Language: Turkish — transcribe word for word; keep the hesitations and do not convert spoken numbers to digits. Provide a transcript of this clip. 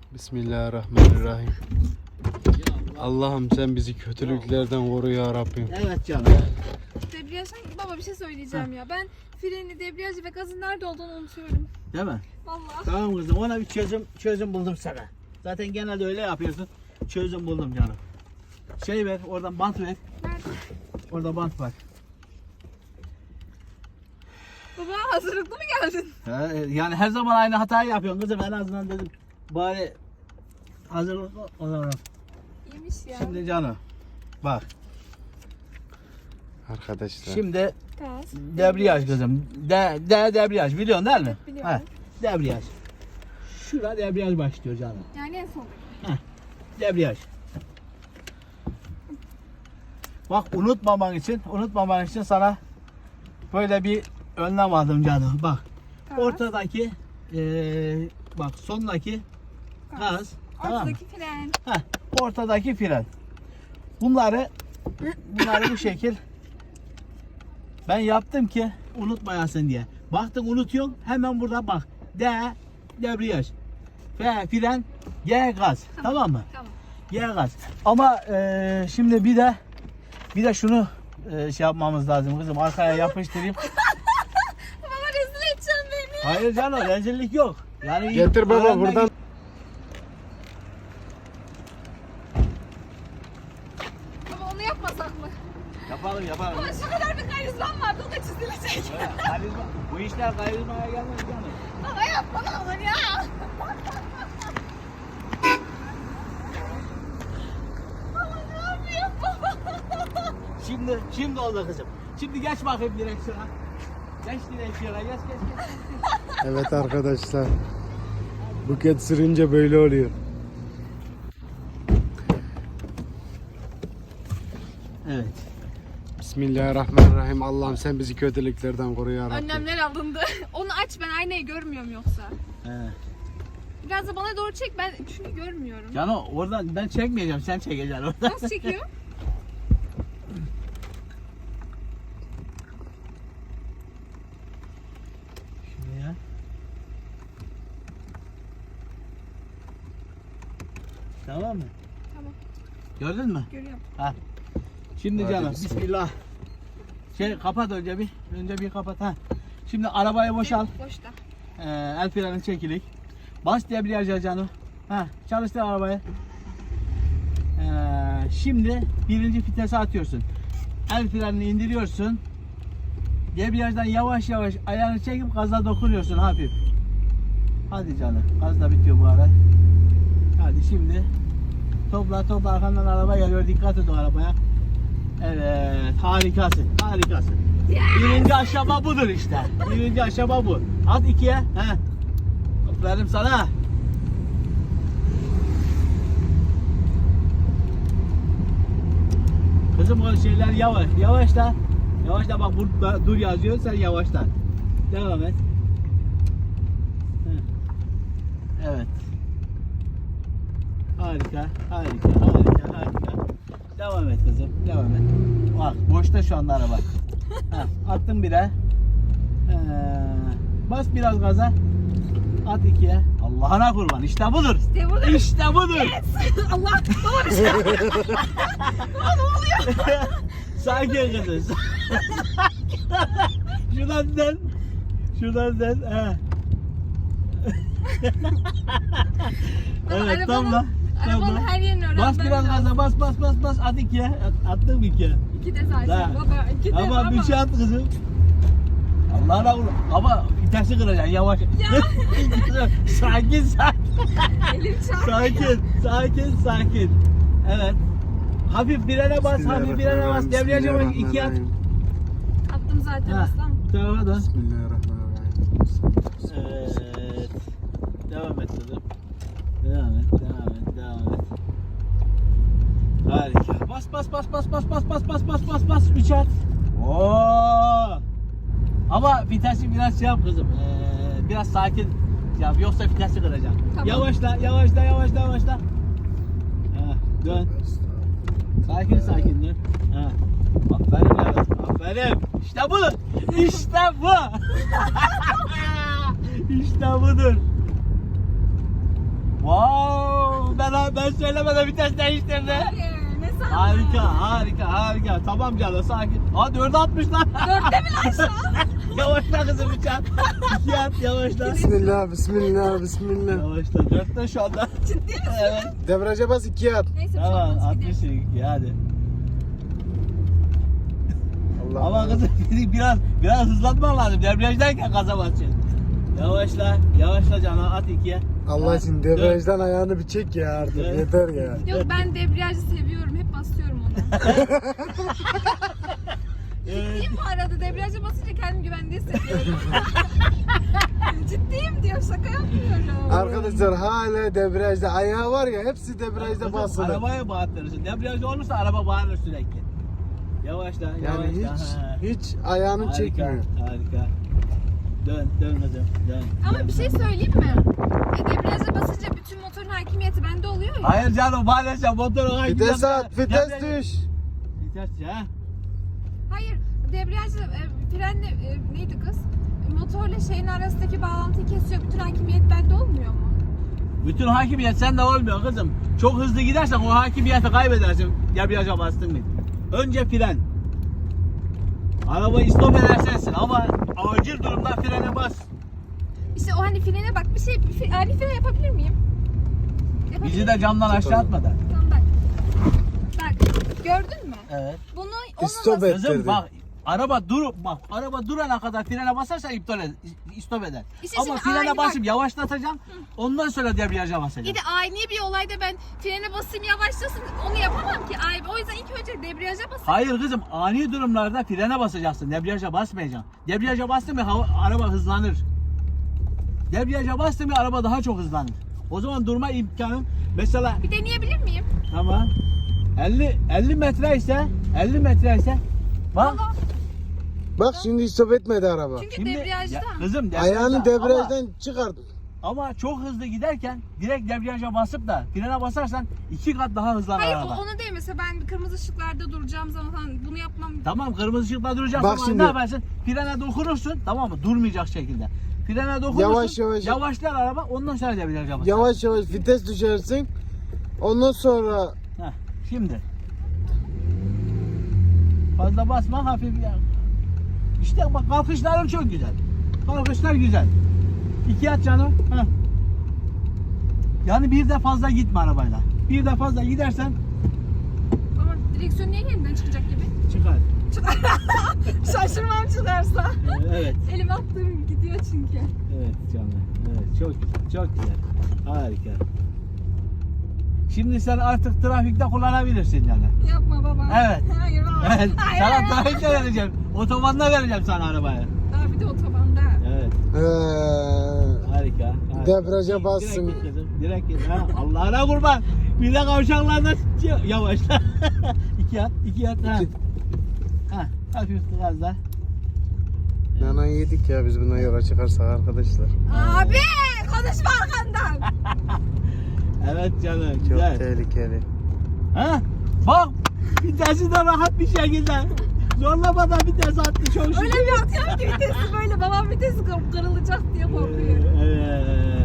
Bismillahirrahmanirrahim. Allah'ım sen bizi kötülüklerden koru ya Rabbim. Evet canım. Debriyaj, baba bir şey söyleyeceğim ya. Ben freni, debriyajı ve gazın nerede olduğunu unutuyorum. Değil mi? Vallahi. Tamam kızım, ona bir çözüm çözüm buldum sana. Zaten genelde öyle yapıyorsun. Çözüm buldum canım. Şey ver, oradan bant ver. Nerede? Orada bant var. Baba hazırlıklı mı geldin? Ha, yani her zaman aynı hatayı yapıyorsun kızım. En azından dedim bari hazırlıklı olalım. İyiymiş ya. Şimdi canım bak. Arkadaşlar. Şimdi Gaz. debriyaj kızım. De, de debriyaj biliyorsun değil mi? Evet, biliyorum. Ha, debriyaj. Şurada debriyaj başlıyor canım. Yani en son. Debriyaj. Bak unutmaman için, unutmaman için sana böyle bir önlem aldım canım. Bak. Gaz. Ortadaki eee bak sondaki gaz. Tamam mı? Ortadaki fren. Heh, ortadaki fren. Bunları bunları bu şekil ben yaptım ki unutmayasın diye. Baktın unutuyorsun, hemen burada bak. D debriyaj. F fren, G gaz. Tamam, tamam mı? Tamam. G gaz. Ama eee, şimdi bir de bir de şunu eee, şey yapmamız lazım kızım. Arkaya yapıştırayım. Baba rezil edeceksin beni. Hayır canım, rezillik yok. Yani Getir baba öğrenmek buradan. Baba onu yapmasak mı? Yapalım yapalım. Baba şu kadar bir karizmam vardı, o da çizilecek. Evet, karizma. Bu işler karizmaya gelmez canım. Baba yapma ne olur ya. Baba ne yapıyorsun baba? Şimdi şimdi oldu kızım. Şimdi geç bakayım direksiyona. Geç direksiyona, geç geç geç. Evet arkadaşlar. Buket sürünce böyle oluyor. Evet. Bismillahirrahmanirrahim. Allah'ım sen bizi kötülüklerden koru ya Rabbim. Önlemler alındı. Onu aç, ben aynayı görmüyorum yoksa. He. Biraz da bana doğru çek, ben çünkü görmüyorum. Canım oradan ben çekmeyeceğim, sen çekeceksin oradan. Nasıl çekiyor? Şuraya. Tamam mı? Tamam, Gördün mü? görüyorum. Ha. Şimdi Hadi canım bismillah. bismillah. Şey kapat önce bir. Önce bir kapat ha. Şimdi arabayı boşal. Boşta. Ee, el freni çekilik. Bas debriyaja canım. Ha, çalıştır arabayı. Ee, şimdi birinci vitese atıyorsun. El frenini indiriyorsun. Debriyajdan yavaş yavaş ayağını çekip gaza dokunuyorsun hafif. Hadi canım. Gaz da bitiyor bu ara. Hadi şimdi topla topla, arkandan araba geliyor. Dikkat et o arabaya. Evet, harikasın. Harikasın. Birinci aşama budur işte. Birinci aşama bu. At ikiye. He. Aferin sana. Kızım o şeyler yavaş. Yavaşla. Yavaşla bak burada dur yazıyor, sen yavaşla. Devam et. Heh. Evet. Harika, harika, harika, harika. Devam et kızım, devam et. Bak boşta şu anda araba. Heh, attım bire. Ee, bas biraz gaza. At ikiye. Allah'ına kurban. İşte budur. İşte budur. İşte budur. Allah, baba bir şey. Baba ne oluyor? Sakin kızım. Şuradan dön. Şuradan dön. He. Evet Arabanın- tamam. Arabanın Tamam. her yerini öğrenmem Bas biraz lazım. gaza, bas bas bas bas. At ikiye. At, attım ikiye. İki de zaten Daha. baba, iki de Ama baba. bir şey at kızım. Allah'ına kurban. Ama vitesi kıracaksın yavaş. sakin sakin. Elim çarptı. Sakin, sakin, sakin. Evet. Hafif frene bas, hafif frene bas. Debriyaja bas, iki at. Attım zaten Ha, aslan. bu tarafa dön. Bismillahirrahmanirrahim. Evet. Devam et kızım. Devam et, devam et, devam et. Harika. Bas bas bas bas bas bas bas bas bas bas bas. Üç at. Oo. Ama vitesi biraz şey yap kızım. Ee, biraz sakin yap, yoksa vitesi kıracaksın. Tamam. Yavaşla, yavaşla, yavaşla, yavaşla. Ha, dön. Sakin sakin dön. Ha. Aferin yavrum, aferin. İşte bu. İşte bu. İşte budur. Vay. Aa, ben söylemeden vites değiştirdi. Hayır, ne sandın? Harika, harika, harika. Tamam canım, sakin. Aa, dörde atmış lan. Dörtte mi lan şu an? Yavaşla kızım uçan. İki at, yavaşla. Bismillah, bismillah, bismillah. Yavaşla, dörtte şu anda. Ciddi misin? Evet. Debriyaja bas ikiye at. Neyse bir şey Tamam, olmaz, gidelim. altmış iki, hadi. Allah Ama Allah. kızım biraz biraz hızlanman lazım. Debriyajdayken gaza basacaksın. Yavaşla, yavaşla canım, at ikiye. Allah Ha, için dön. debriyajdan ayağını bir çek ya artık. Evet. Yeter ya. Yok ben debriyajı seviyorum. Hep basıyorum ona. Ciddiyim bu arada. Debriyaja basınca kendimi güvende hissediyorum. Ciddiyim diyorum. Şaka yapmıyorum. Arkadaşlar hala debriyajda ayağı var ya hepsi debriyajda Kızım, basılı. arabaya bağırtırsın. Debriyajda olursa araba bağırır sürekli. Yavaşla, Yani yavaşla. hiç ha. hiç ayağını Harika, çekmiyor. harika. Dön, dön kızım, dön. Ama dön. bir şey söyleyeyim mi? E, debriyaja basınca bütün motorun hakimiyeti bende oluyor ya. Hayır canım, maalesef motorun Vites at, vites Debriyaj- düş. Vites ya. Hayır, debriyajla e, frenle e, neydi kız? E, motorla şeyin arasındaki bağlantıyı kesiyor. Bütün hakimiyet bende olmuyor mu? Bütün hakimiyet sende olmuyor kızım. Çok hızlı gidersen o hakimiyeti kaybedersin. Debriyaja bastın mı? Önce fren. Arabayı stop edersensin ama acil durumda frene bas. İşte o hani frene bak bir şey, bir, ani fren yapabilir miyim? Yapabilir Bizi miyim? de camdan aşağı atmadan. Tamam bak. Bak gördün mü? Evet. Bunu ona Stop nasıl- et. Kızım Ettirdi. bak araba dur bak araba durana kadar frene basarsan iptal eder, stop eder. İşte Ama şimdi frene aynı basıp bak. yavaşlatacağım. Ondan sonra debriyaja basacağım. Bir de ani bir olayda ben frene basayım yavaşlasın onu yapamam ki. Ay, o yüzden ilk önce debriyaja basayım. Hayır kızım ani durumlarda frene basacaksın. Debriyaja basmayacaksın. Debriyaja bastın mı hava, araba hızlanır. Debriyaja bastın mı araba daha çok hızlanır. O zaman durma imkanı mesela Bir deneyebilir miyim? tamam elli elli metre ise elli metre ise bak Valla. Bak şimdi stop etmedi araba. Çünkü şimdi debriyajda. ya, kızım debriyajda Ayağını ama- debriyajdan çıkart. Ama çok hızlı giderken direkt debriyaja basıp da frene basarsan iki kat daha hızlanır Hayır araba. o, onu değil mesela ben kırmızı ışıklarda duracağım zaman falan bunu yapmam. Tamam kırmızı ışıkta duracaksın Bak ama şimdi. ne yaparsın? Frene dokunursun tamam mı? Durmayacak şekilde. Frene dokunursun. Yavaş yavaş. Yavaşlar araba ondan sonra debriyaja basar. Yavaş yavaş vites düşersin. Ondan sonra Heh, şimdi. Fazla basma hafif ya. İşte bak kalkışların çok güzel. Kalkışlar güzel. İki at canım. Heh. Yani bir de fazla gitme arabayla. Bir de fazla gidersen Ama direksiyon niye yeniden çıkacak gibi? çıkar. Şaşırmam çıkarsa. Ee, Evet. Elim attığım gidiyor çünkü. Evet canım. Evet çok güzel. Çok güzel. Harika. Şimdi sen artık trafikte kullanabilirsin yani. Yapma baba. Evet. Hayır baba. Evet. Hayır, Sana hayır. trafikte vereceğim. Otobanda vereceğim sana arabayı. Daha bir de otobanda. Evet. ee, Harika. harika. Debriyaja Direkt bassın. git kızım. Direkt git. Ha, Allah'ına kurban. Bir de kavşaklarda yavaşla. iki at. iki at. Ha. İki- Ha. Hafif gazla. Nana yedik ya biz bundan yola çıkarsak arkadaşlar. Abi konuşma arkandan. Evet canım. Çok Güzel. tehlikeli. Ha? Bak. Vitesi de rahat bir şekilde. Zorlamadan vites attı. Çok şükür. Öyle bir atıyorum ki vitesi böyle babam vitesi kır- kırılacak diye korkuyor. Evet.